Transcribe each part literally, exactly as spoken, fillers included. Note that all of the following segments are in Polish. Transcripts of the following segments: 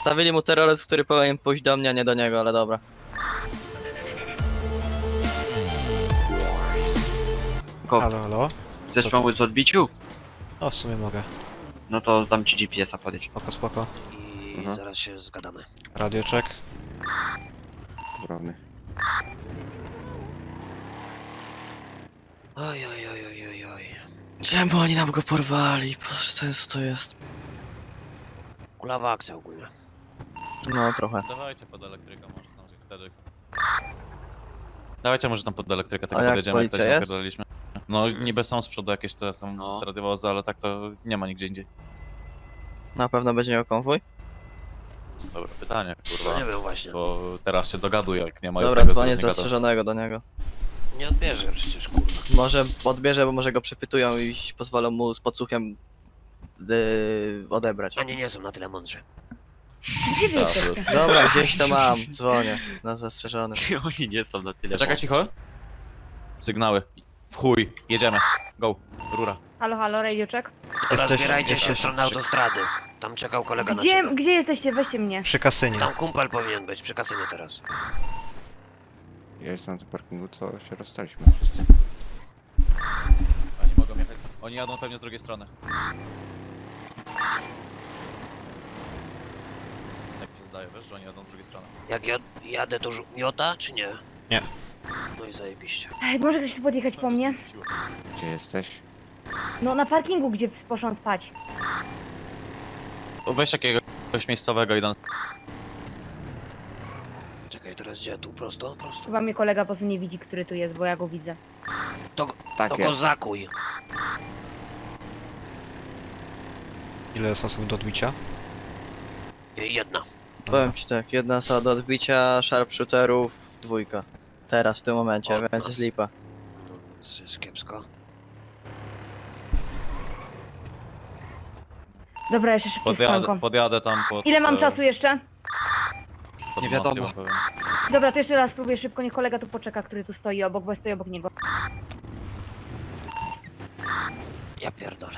Wstawili mu terroryzm, który powinien pójść do mnie, a nie do niego, ale dobra. Halo, halo? Chcesz To- pomóc w odbiciu? O, w sumie mogę. No to dam ci G P S a podjedź. Spoko, spoko. I Mhm. zaraz się zgadamy. Radio check. Prawny. Oj, oj, oj, oj, oj, oj. Czemu oni nam go porwali? Boże, co jest, co to jest? Kulawa akcja ogólnie. No, trochę. Dawajcie pod elektrykę, może tam wtedy. Dawajcie może tam pod elektrykę, tak A jak podjedziemy, jak policja to się jest? napierdoliliśmy. No niby są z przodu jakieś te są No. radiowozy, ale tak to nie ma nigdzie indziej. Na pewno będzie miał konwój? Dobra, pytanie, No kurwa. nie wiem właśnie. Bo teraz się dogaduję, jak nie ma Dobra, tego dzwonię z zastrzeżonego. zastrzeżonego do niego. Nie odbierze przecież, kurwa. Może odbierze, bo może go przepytują i pozwolą mu z podsłuchem yy, odebrać. Ani nie są na tyle mądrzy. Dobra, gdzieś to mam, dzwonię na zastrzeżony. Oni nie są na tyle. Czekaj cicho. Sygnały. W chuj, jedziemy. Go, rura. Halo, halo, radio check. Teraz zbierajcie się w jesteś stronę przy, autostrady. Tam czekał kolega na Gdzie, ciebie. gdzie jesteście? Weźcie mnie. przy kasynie. Tam kumpel powinien być, przy kasynie teraz. Ja jestem na tym parkingu, co się rozstaliśmy wszyscy. Oni mogą jechać. Oni jadą pewnie z drugiej strony. Tak mi się zdaje, wiesz, że oni jadą z drugiej strony. Jak ja jadę, to żu- miota, czy nie? Nie. No i zajebiście. Ej, może ktoś tu podjechać po mnie? Gdzie jesteś? No na parkingu, gdzie poszłam spać. Weź jakiegoś miejscowego i do nas. Czekaj, teraz gdzie? Tu prosto? Prosto. Chyba mnie kolega po prostu nie widzi, który tu jest, bo ja go widzę. To, go- Tak to go jest. zakuj. Ile jest osób do odbicia? Jedna. Powiem ci tak, jedna osoba do odbicia, sharpshooterów, dwójka. Teraz, w tym momencie, Od więc nas. jest lipa. No, więc jest kiepsko. Dobra, jeszcze szybkie Podjadę, skonko. podjadę tam pod... Ile mam e, czasu jeszcze? pod Nie most, wiadomo. ja wam powiem. Dobra, to jeszcze raz spróbuję szybko, niech kolega tu poczeka, który tu stoi obok, bo ja stoję obok niego. Ja pierdolę.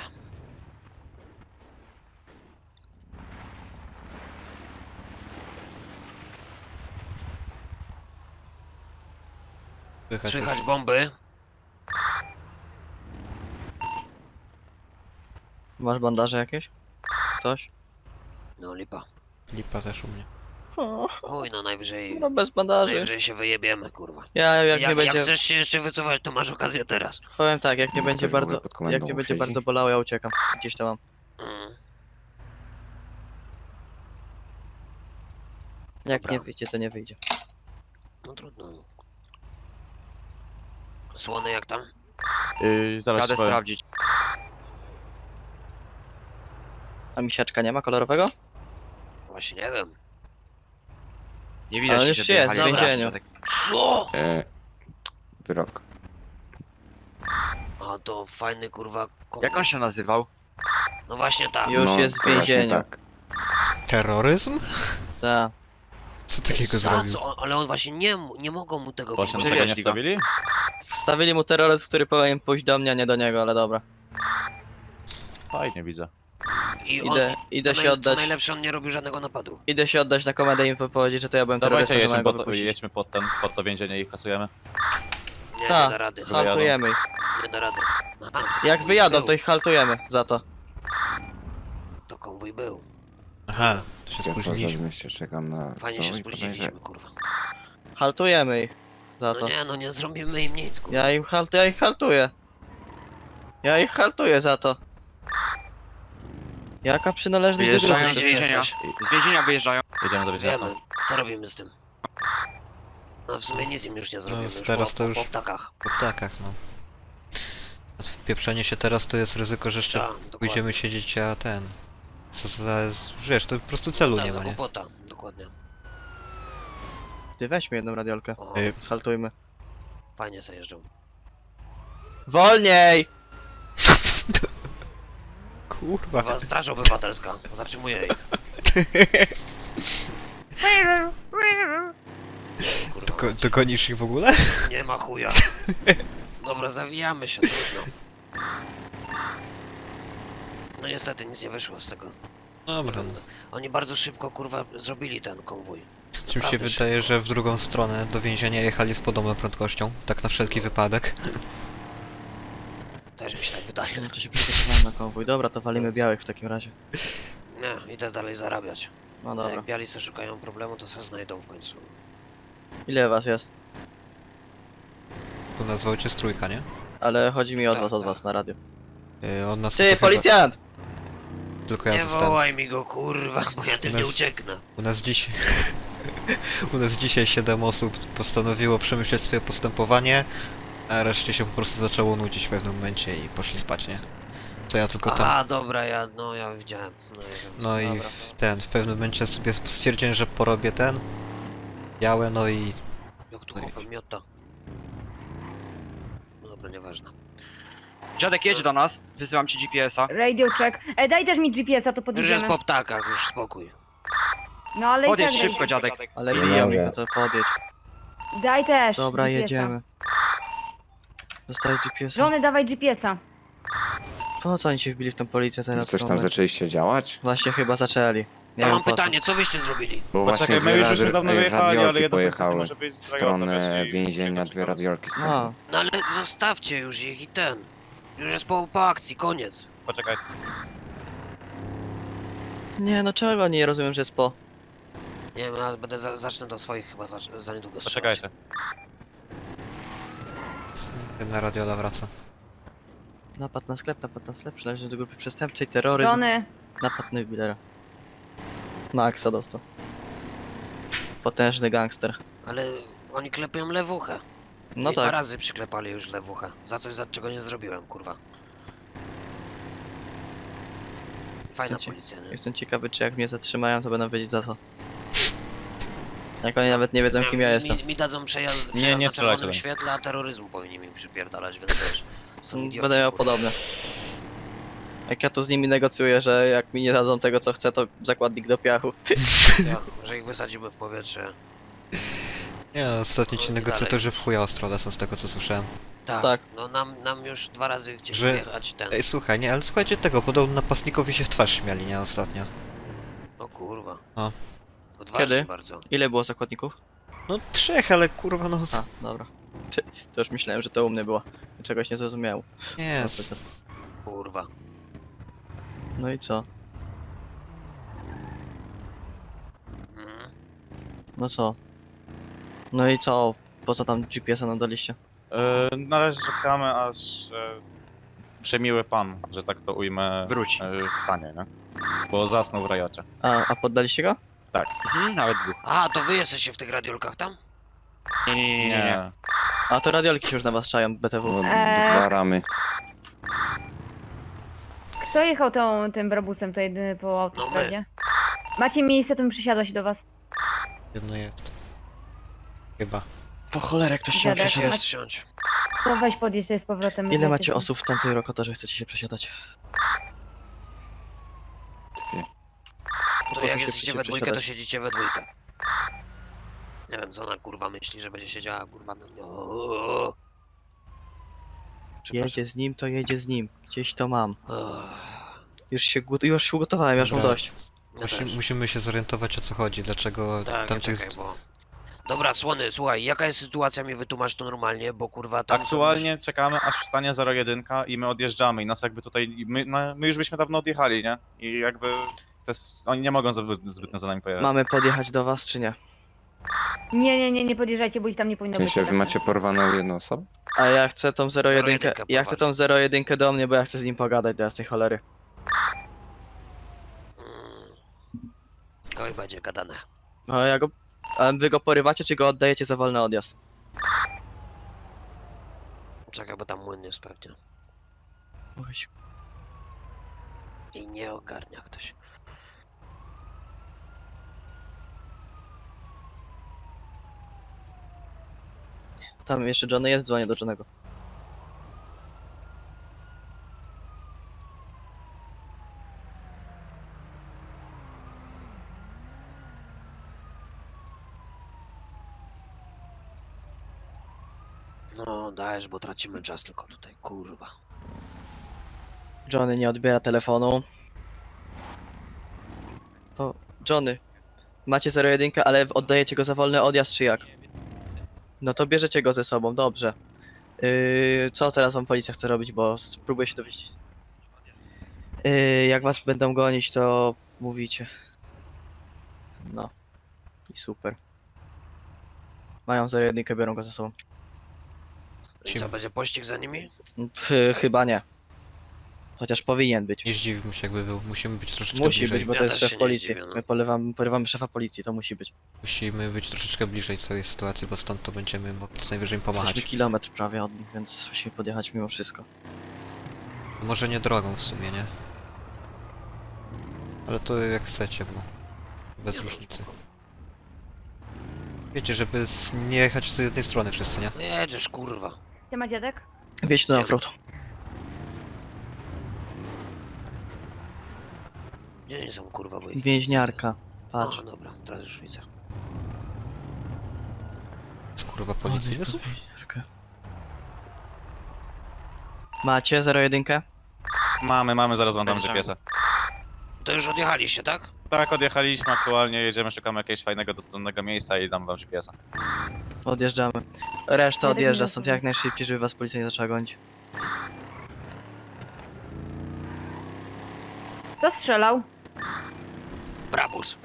Słychać już. Słychać bomby. Masz bandaże jakieś? Ktoś? No lipa. Lipa też u mnie. Oj, no najwyżej... No bez bandaży. Najwyżej się wyjebiemy, kurwa. Ja jak, Jak, nie jak, będzie, chcesz się jeszcze wycofać, to masz okazję teraz. powiem tak, jak nie Ktoś będzie w ogóle bardzo, pod komendą jak nie będzie siedzi? bardzo bolało, ja uciekam. Gdzieś to mam. Mm. Jak Dobra. nie wyjdzie, to nie wyjdzie. No trudno. Słony jak tam? Yy, zaraz Radę ci powiem. sprawdzić. A misiaczka nie ma kolorowego? Właśnie nie wiem. Nie widać, Ale że już jest, dojechali w do więzieniu. pracy. Co? E, wyrok. A to fajny kurwa... kom- Jak on się nazywał? No właśnie tak. Już No, jest w właśnie więzieniu. Tak. Terroryzm? Tak. Co takiego Za zrobił? co? Ale on właśnie nie, mu- nie mogą mu tego Właśnie wybaczyć. dlaczego nie Wyjaśnij go. wstawili? Wstawili mu terroryzm, który powinien pójść do mnie, a nie do niego, ale dobra. Fajnie widzę. I on, Idę, idę co się naj- oddać. Co najlepsze, on nie robił żadnego napadu. Idę się oddać na komendę i im powiedzieć, że to ja byłem Dawajcie, terrorystą, że jedźmy mają go pod, wypuścić. jedźmy pod, ten, pod to więzienie i kasujemy. Nie, Ta, nie da rady. haltujemy ich. Nie da rady. Aha, Jak wyjadą, był. to ich haltujemy za to. To konwój był. Aha, to się Ja cały czas w spóźniliśmy. mieście czekam na Fajnie co się i spóźniliśmy, podejrzewam. kurwa. Haltujemy ich za No to. nie, no nie zrobimy im nic, kurwa. Ja im halt, ja ich haltuję. Ja ich haltuję za to. Jaka przynależność do Wyjeżdżają grupy? z Gdzie więzienia. jesteś? Z więzienia wyjeżdżają. Jedziemy do więzienia. Wiemy. Co robimy z tym? No w sumie nic im już nie zrobimy. już teraz po, to już- po ptakach. Po ptakach, no. A wpieprzenie się teraz to jest ryzyko, że jeszcze Tak, dokładnie. pójdziemy siedzieć, a ten... Co za... Wiesz, to po prostu celu Tak, nie za ma, nie? głupota, dokładnie. Ty weźmy jedną radiolkę. O, Y, Schaltujmy. fajnie sobie jeżdżą. Wolniej! Kurwa. Kurwa, straż obywatelska. Zatrzymuję ich. Kurwa, Doko dogonisz ich w ogóle? nie ma chuja. Dobra, zawijamy się, trudno. No niestety nic nie wyszło z tego. Dobra, no. Oni bardzo szybko, kurwa, zrobili ten konwój. Czym się Naprawdę wydaje, szybko. że w drugą stronę do więzienia jechali z podobną prędkością, tak na wszelki wypadek. Też mi się tak wydaje. No to się przygotowałem na konwój. Dobra, to walimy białych w takim razie. Nie, idę dalej zarabiać. No A dobra. jak biali se szukają problemu, to se znajdą w końcu. Ile was jest? Tu nazwał cię Strójka, nie? Ale chodzi mi o Tak, was, od tak. was na radio. Yy, on nas Ty, to chyba- policjant! Tylko ja Nie zostałem. wołaj mi go, kurwa, bo ja tym nie Nas- ucieknę. U nas dzisiaj... U nas dzisiaj siedem osób postanowiło przemyśleć swoje postępowanie, a reszcie się po prostu zaczęło nudzić w pewnym momencie i poszli spać, nie? To ja tylko tam... Aha, dobra, ja, no ja widziałem. No, ja wiem. No i Dobra. w ten, w pewnym momencie sobie stwierdziłem, że porobię ten... Białe, no i... Jak tu chłopem miota. No dobra, nieważne. Dziadek jedź do nas, wysyłam ci G P S a. Radio check. E, daj też mi G P S a, to Już jest podjedziemy. po ptakach, już spokój. No ale i Podjedź tak szybko, daj. dziadek. Ale Nie biją mogę. mi, no to podjedź. Daj też Dobra, G P S a. jedziemy. Dostałeś G P S a? Żony, dawaj G P S a. Po co oni się wbili w tą policję teraz? Coś w tam tym momencie? zaczęliście działać? Właśnie chyba zaczęli. Nie Ja wiem mam po co. pytanie, co wyście zrobili? Bo Poczekaj, właśnie my dwie już żeśmy radi- dawno e, wyjechali, ale radiolki jedno policjant pojechały może wyjść z w rajonu, stronę wiesz, i więzienia, przyjechać dwie szybko. radiolki z No, No ale zostawcie już ich i ten. Już jest po, po akcji, koniec. Poczekaj, nie no czego nie rozumiem, że jest po. Nie wiem, ale będę za, zacznę do swoich chyba za, za niedługo strzelać. poczekajcie. Jedna radiola wraca. Napad na sklep, napad na sklep, przynależy do grupy przestępczej, terroryzm, Żony, napad na jubilera. Maxa dostał. Potężny gangster. Ale oni klepią lewuchę. No I dwa tak, razy przyklepali już lewuchę. Za coś, za czego nie zrobiłem, kurwa. Fajna Chcecie? policja, nie? jestem ciekawy czy jak mnie zatrzymają to będą wiedzieć za co. Jak oni nawet nie wiedzą kim ja mi, jestem. Mi, mi dadzą przejazd, Nie, przejazd nie na strzelajcie czerwonym do świetle, a terroryzmu powinni mi przypierdalać, więc też są idioci, Będę miał kurwa. podobne. Jak ja tu z nimi negocjuję, że jak mi nie dadzą tego co chcę, to zakładnik do piachu. Ty. Ja, że ich wysadzimy w powietrze. Nie, ostatnio ci No i negocjatorzy w chuja ostro lecą z tego co słyszałem. Tak, Tak. no nam, nam już dwa razy chcieli Że- wjechać ten. Ej, słuchaj, nie, ale słuchajcie tego, podobno napastnikowi się w twarz śmiali, nie, ostatnio. O kurwa. O. Odważnie Kiedy? bardzo. Ile było zakładników? No trzech, ale kurwa, no... A, dobra. Ty, to już myślałem, że to u mnie było. Czegoś nie zrozumiałem. Nie, No, s- to- to- Kurwa. No i co? Mhm. No co? No i co? Po co tam G P S a nam daliście? E, na razie czekamy, aż e, przemiły pan, że tak to ujmę, Wróci. e, wstanie, nie? Bo zasnął w rajocie. A, a poddaliście go? Mhm, nawet dwóch. A, to wy jesteście w tych radiolkach tam? Nie, nie, nie, nie, nie. A to radiolki się już na was czają, B T W. Bo Eee. Dwa ramy. kto jechał tą, tym brabusem, to jedyny po autostradzie? Macie miejsce, to bym przysiadła się do was. jedno jest. Chyba. Po cholerę ktoś się Dziadek. przesiadać. Jest, siądź. To weź podjedź tutaj z powrotem. Ile my macie jesteśmy- osób w tamtej rokotorze chcecie się przesiadać? To Po co jak się jesteście chcecie we dwójkę, to przesiadać? siedzicie we dwójkę. Nie wiem, co ona kurwa myśli, że będzie siedziała kurwa na... O, Przepraszam. Jedzie z nim, to jedzie z nim. Gdzieś to mam. O, Już się, gu- już się ugotowałem, już mam Dobra. dość. ja Musi, też. musimy się zorientować o co chodzi, dlaczego Tak, ja tamtych... czekaj, bo... Dobra, Słony, słuchaj, jaka jest sytuacja, mi wytłumacz to normalnie, bo kurwa tam są Aktualnie czekamy, aż wstanie zero jeden i my odjeżdżamy i nas jakby tutaj, i my, no, my już byśmy dawno odjechali, nie? I jakby to jest, oni nie mogą zbyt, zbytnio za nami pojechać. Mamy podjechać do was, czy nie? Nie, nie, nie, nie podjeżdżajcie, bo ich tam nie powinno W sensie być. wy macie porwaną jedną osobę? A ja chcę tą zero jeden. zero jeden Ja chcę tą zero jeden do mnie, bo ja chcę z nim pogadać do jasnej cholery. Mm. Oj, będzie gadane. A ja go. A wy go porywacie, czy go oddajecie za wolny odjazd? Czekaj, bo tam młyn jest pewnie. Mogę się- I nie ogarnia ktoś. Tam jeszcze Johnny jest, dzwonię do Johnego. No, dajesz, bo tracimy czas tylko tutaj, kurwa. Johnny nie odbiera telefonu. To Johnny, macie zero jeden, ale oddajecie go za wolny odjazd, czy jak? No to bierzecie go ze sobą, dobrze. Yy, co teraz wam policja chce robić, bo spróbuję się dowiedzieć. Yy, jak was będą gonić, to mówicie. No. I super. Mają zero jeden, biorą go ze sobą. I co, będzie pościg za nimi? Pff, chyba nie. Chociaż powinien być. Nie zdziwiłbym się jakby był. Musimy być troszeczkę Musi bliżej. być, bo Ja to jest też szef się nie policji. zdziwię, no. My polewamy, porywamy szefa policji, to musi być. Musimy być troszeczkę bliżej całej sytuacji, bo stąd to będziemy mogli co najwyżej im pomachać. Jesteśmy kilometr prawie od nich, więc musimy podjechać mimo wszystko. Może nie drogą w sumie, nie? Ale to jak chcecie, bo bez różnicy. Wiecie, żeby z... nie jechać z jednej strony wszyscy, nie? No jedziesz, kurwa. Gdzie ma dziadek? Wjedź tu na offroad. Gdzie nie są, kurwa, bo ich... Więźniarka. Patrz. O, dobra, teraz już widzę. Z kurwa policji wysłów? Więźniarkę. Macie zero jeden? Mamy, mamy, zaraz wam dam G P S-a. To już odjechaliście, tak? Tak, odjechaliśmy aktualnie, jedziemy, szukamy jakiegoś fajnego, dostępnego miejsca i dam wam G P S-a. Odjeżdżamy. Reszta Dziadek odjeżdża nie stąd rozumie. jak najszybciej, żeby was policja nie zaczęła gonić. Kto strzelał? Brabus.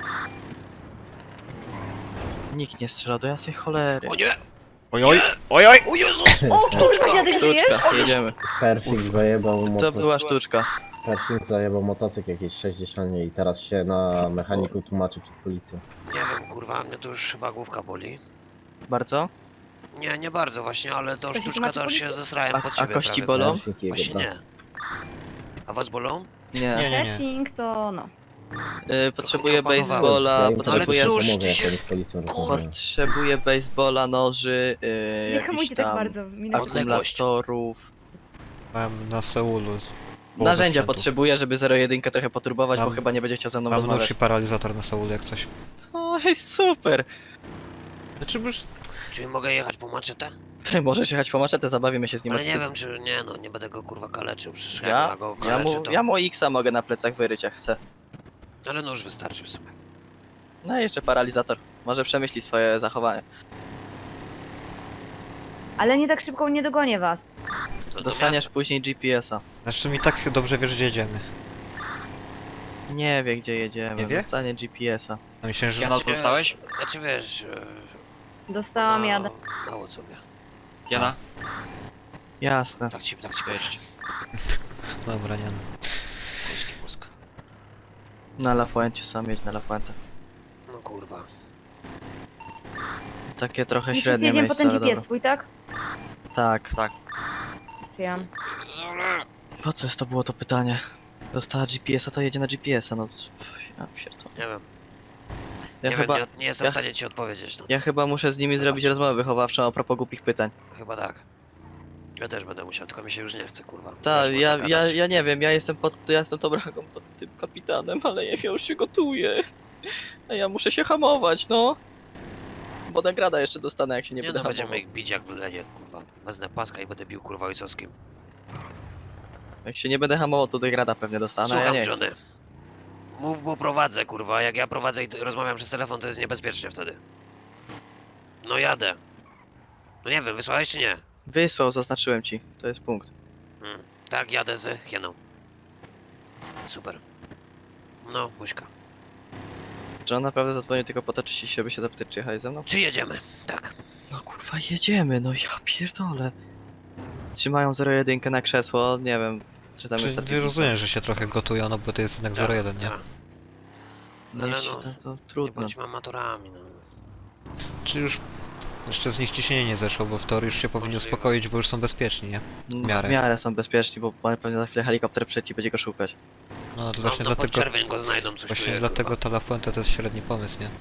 Nikt nie strzela do jasnej cholery. O nie! Oj, oj, oj, oj! O Jezus! O, kurwa, dziadek żyjesz? Sztuczka, jedziemy. Persik zajebał To motocykl. była sztuczka. Persik zajebał motocykl jakieś sześćdziesiąt i teraz się na mechaniku tłumaczy przed policją. Nie wiem, kurwa, mnie to już chyba główka boli. Bardzo? Nie, nie bardzo właśnie, ale to To się sztuczka tłumaczy to już się policja? zesrałem A, pod a ciebie kości prawie. bolą? Persik i jego Właśnie brat. nie. A was bolą? Nie. Nie, nie, nie. Testing to no. Y, potrzebuję Trochę nie opanowałem. baseballa, Ja im potrzebuję... Ale pomogę, cóż jak ty się- oni z policją Kurwa. rozmawiają. Potrzebuję baseballa, noży, yy, Nie jakichś hamujcie tak tam bardzo. Minę Odległość. akumulatorów. Mam na Seulu. połowę Narzędzia sprzętu. potrzebuję, żeby zero jeden trochę poturbować, bo Mam- chyba nie będzie chciał ze mną Mam nóż rozmawiać. i paralizator na Seulu jak coś. Oj, super! Znaczy już... Czyli mogę jechać po maczetę? Ty możesz jechać po maczetę, zabawimy się z nim. Ale od nie tyłu. wiem, czy nie no, nie będę go kurwa kaleczył, przecież jak Ja? ja go Ja kaleczę, mu, to... ja mu X-a mogę na plecach wyryć jak chcę. Ale no już wystarczy w sumie. No i jeszcze paralizator. Może przemyśli swoje zachowanie. Ale nie tak szybko nie dogonię was. No, do Dostaniesz miasta. później G P S-a. Znaczy mi tak dobrze wiesz, gdzie jedziemy. Nie wie gdzie jedziemy, Nie wie? dostanie G P S-a. A myślałem, że... Jana, dostałeś? Znaczy wiesz... e, Dostałam no, jadę. Mało co wie. Jana? Jasne. Tak ci, tak ci Cześć. powiem. Dobra, nie. Polski mózg. Na La Fuente sam jedź na La Fuente. No kurwa. Takie trochę I wszyscy średnie jedziemy po miejsce, ten ale G P S dobra. twój, tak? Tak. Przyjam. Po co jest to było to pytanie? Dostała G P S-a, to jedzie na G P S-a, no... Ja pierdolę. Nie wiem. Ja nie chyba... wiem, nie, nie jestem ja- w stanie ci odpowiedzieć. No. Ja chyba muszę z nimi zrobić rozmowę wychowawczą a propos głupich pytań. Chyba tak. Ja też będę musiał, tylko mi się już nie chce, kurwa. Tak, Też ja, można ja, gadać. ja nie wiem, ja jestem pod, ja jestem tą bragą pod tym kapitanem, ale ja już się gotuję. A ja muszę się hamować, no. Bo nagrada jeszcze dostanę, jak się nie, Nie będę no, hamował. będziemy ich bić jak w lenie, kurwa. Wezmę paska i będę bił, kurwa, ojcowskim. Jak się nie będę hamował, to nagrada pewnie dostanę, a ja Słucham, nie chcę. Johnny. Mów, bo prowadzę, kurwa. Jak ja prowadzę i rozmawiam przez telefon, to jest niebezpiecznie wtedy. No jadę. No nie wiem, wysłałeś czy nie? Wysłał, zaznaczyłem ci, to jest punkt. Hmm. Tak, jadę z hieną. Super. No, buźka. John naprawdę zadzwonił tylko po to, czy się, żeby się zapytać, czy jechałeś ze mną? Czy jedziemy? Tak. No kurwa, jedziemy, no ja pierdolę. Trzymają zero jeden na krzesło, nie wiem, czy tam Czy jest nie rozumiem, że się trochę gotują, no bo to jest jednak zero jeden, nie? Tak. No, Ale ale no, to, to Nie trudno. bądźmy amatorami, no. Czy już... Jeszcze z nich ciśnienie nie zeszło, bo w teorii już się powinni Możliwe. uspokoić, bo już są bezpieczni, nie? W miarę. miarę są bezpieczni, bo pewnie za chwilę helikopter przeci będzie go szukać. No to No, właśnie no pod dlatego... czerwień go znajdą, coś Właśnie czuję, dlatego kurwa. ta La Fuente to jest średni pomysł, nie?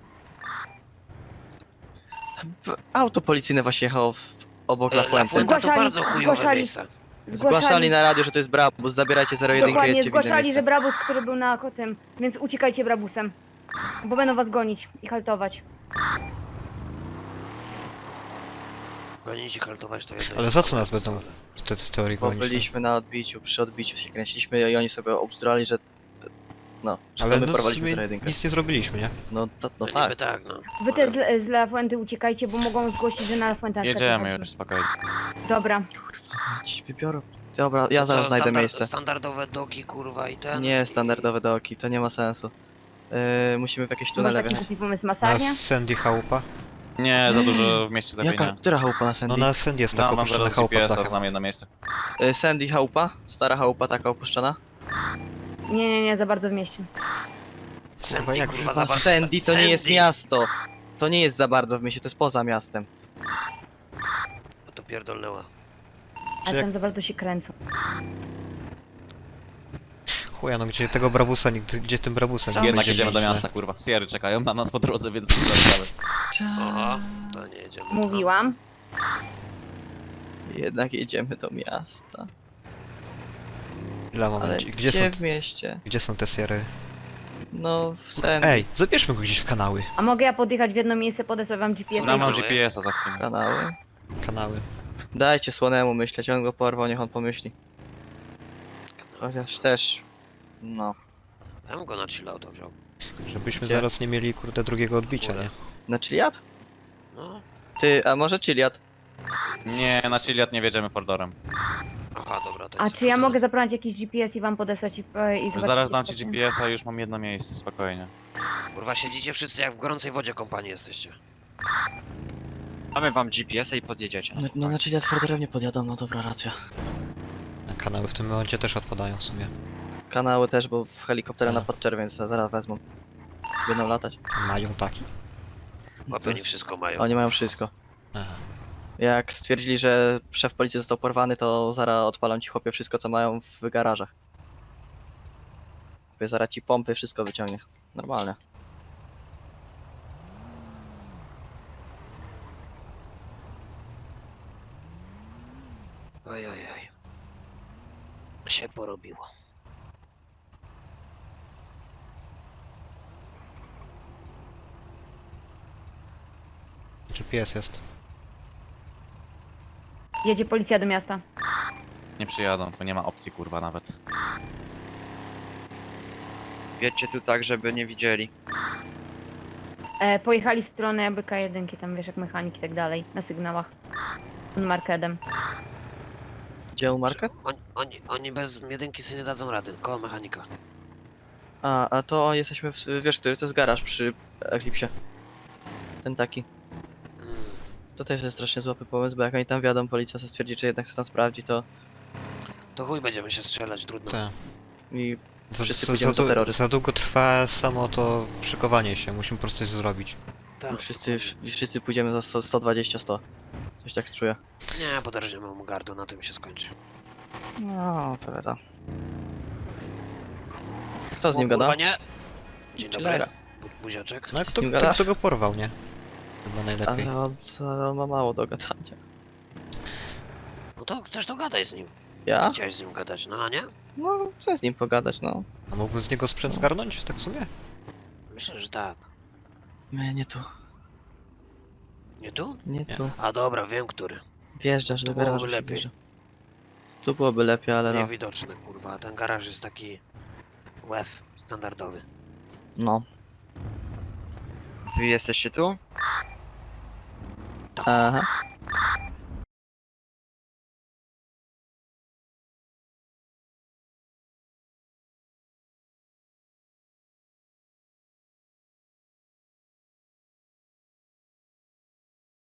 B- Auto policyjne właśnie jechało w, obok La E, La Fuente. Fuente to Zgłaszali- bardzo chujowe zgłaszali- miejsce. Zgłaszali na radio, że to jest Brabus, zabierajcie zero jeden i Dokładnie, jedźcie w inne zgłaszali, miejsce. że Brabus, który był na tym, więc uciekajcie Brabusem. Bo będą was gonić i haltować. Gonić i kaltować to jedno. Ale za co nas będą w te w teorii Bo gonić? no? byliśmy na odbiciu, przy odbiciu się kręciliśmy i oni sobie obzdurali, że No, Ale ale no, w wyprowadziliśmy sumie zero jedynkę. nic nie zrobiliśmy, nie? No, to, no No tak. niby tak, no. Wy też z, z La Fuente uciekajcie, bo mogą zgłosić, że na La Fuente na przykład Jedziemy jechaliśmy. już, spokojnie. Dobra. Ci wybiorą. Dobra, ja To zaraz co, znajdę standard- miejsce. Standardowe doki, kurwa, i ten. Nie, i- standardowe doki, to nie ma sensu. Yy, musimy w jakieś Może tunele taki wjechać. głupi pomysł, Na masarnia? Sandy chałupa? Nie, za dużo w mieście lepiej Jaka, nie. która chałupa na No Sandy? na Sandy jest No, taka mam opuszczona zaraz chałupa z G P S-a, dachem. znam jedno miejsce. Yy, Sandy chałupa? Stara chałupa taka opuszczona? Nie, nie, nie, za bardzo w mieście. Sandy, jak kurwa, Chyba za bardzo- Sandy to nie jest Sandy. miasto. To nie jest za bardzo w mieście, to jest poza miastem. No to pierdolnęła. Ale jak- tam za bardzo się kręcą. Chuja, no gdzie tego brabusa, nigdy, gdzie tym brabusem nie Jednak będzie jedziemy do mieć, miasta, kurwa. Sierry czekają na nas po drodze, więc nie zaczynamy. Aha, to nie jedziemy. tam. Mówiłam. Jednak jedziemy do miasta. nie? Ile Ale moment, gdzie, gdzie są, w mieście? gdzie są te siery? No, w Sandy. Ej, zabierzmy go gdzieś w kanały. A mogę ja podjechać w jedno miejsce, podesłać wam G P S? Ja mam Kanały. G P S-a za chwilę. Kanały. Kanały. Dajcie Słonemu myśleć, on go porwał, niech on pomyśli. Chociaż też... No. Ja bym go na chillauta wziął. Żebyśmy Gdzie? zaraz nie mieli, kurde, drugiego odbicia, Górę. nie? Na Chiliad? No. Ty, a może Chiliad? Nie, na Chiliad nie wjedziemy Fordorem. Aha, dobra, to A jest czy ja to- mogę zabrać jakiś G P S i wam podesłać i, i zobaczyć, Zaraz dam co ci to- G P S-a, już mam jedno miejsce, spokojnie. Kurwa, siedzicie wszyscy jak w gorącej wodzie kompanii jesteście. Damy wam G P S-a i podjedziecie. No, no na Chiliad Fordorem nie podjadą, no dobra, racja. A kanały w tym momencie też odpadają w sumie. Kanały też, bo w helikoptera na A. podczerwień za- zaraz wezmą. Będą latać. Mają taki. Chłopie, oni wszystko mają. Oni mają wszystko. Aha. Jak stwierdzili, że szef policji został porwany, to zaraz odpalą ci chłopie wszystko, co mają w garażach. Chłopie, zaraz ci pompy, wszystko wyciągnie. Normalnie. Oj, oj, oj. Się porobiło. G P S jest. Jedzie policja do miasta. Nie przyjadą, bo nie ma opcji, kurwa, nawet. Wiecie tu tak, żeby nie widzieli. E, pojechali w stronę jakby K jeden, tam wiesz, jak mechanik i tak dalej, na sygnałach. Markedem. Gdzie u market? Oni, oni, oni bez jedynki sobie nie dadzą rady. Koło mechanika. A, a to jesteśmy w... wiesz, który to jest garaż przy Eclipsie. Ten taki. Mm. To też jest strasznie złapy pomysł, bo jak oni tam wjadą, policja se stwierdzi, czy jednak chce tam sprawdzić, to... To chuj będziemy się strzelać, trudno. Tak. I Za, Wszyscy za, pójdziemy za, za du- terroryzm. za długo trwa samo to szykowanie się, musimy po prostu coś zrobić. Tak, wszyscy, dokładnie. wszyscy pójdziemy za sto, sto dwadzieścia, sto. Coś tak czuję. Nie, poderżniemy mu gardu, na tym się skończy. No, pewnie tak. Kto z O, nim kurwa, gada? nie! Dzień dobry. Chillera. Bu- Buziaczek. No a z kto, nim kto, gadasz? kto go porwał, nie? Chyba najlepiej. Ale on, ale on ma mało do gadania. No to chcesz to gadaj z nim. Ja? Chciałeś z nim gadać, no a nie? No, chcę z nim pogadać, no. A mógłbym z niego sprzęt zgarnąć, tak w sumie? Myślę, że tak. Nie, nie tu. Nie tu? Nie Nie. tu. A dobra, wiem który. Wjeżdżasz Tu do byłoby garażu się lepiej. wjeżdża. Tu byłoby lepiej, ale no. Niewidoczny, kurwa. Ten garaż jest taki... łef, standardowy. No. Wy jesteście tu? Aha.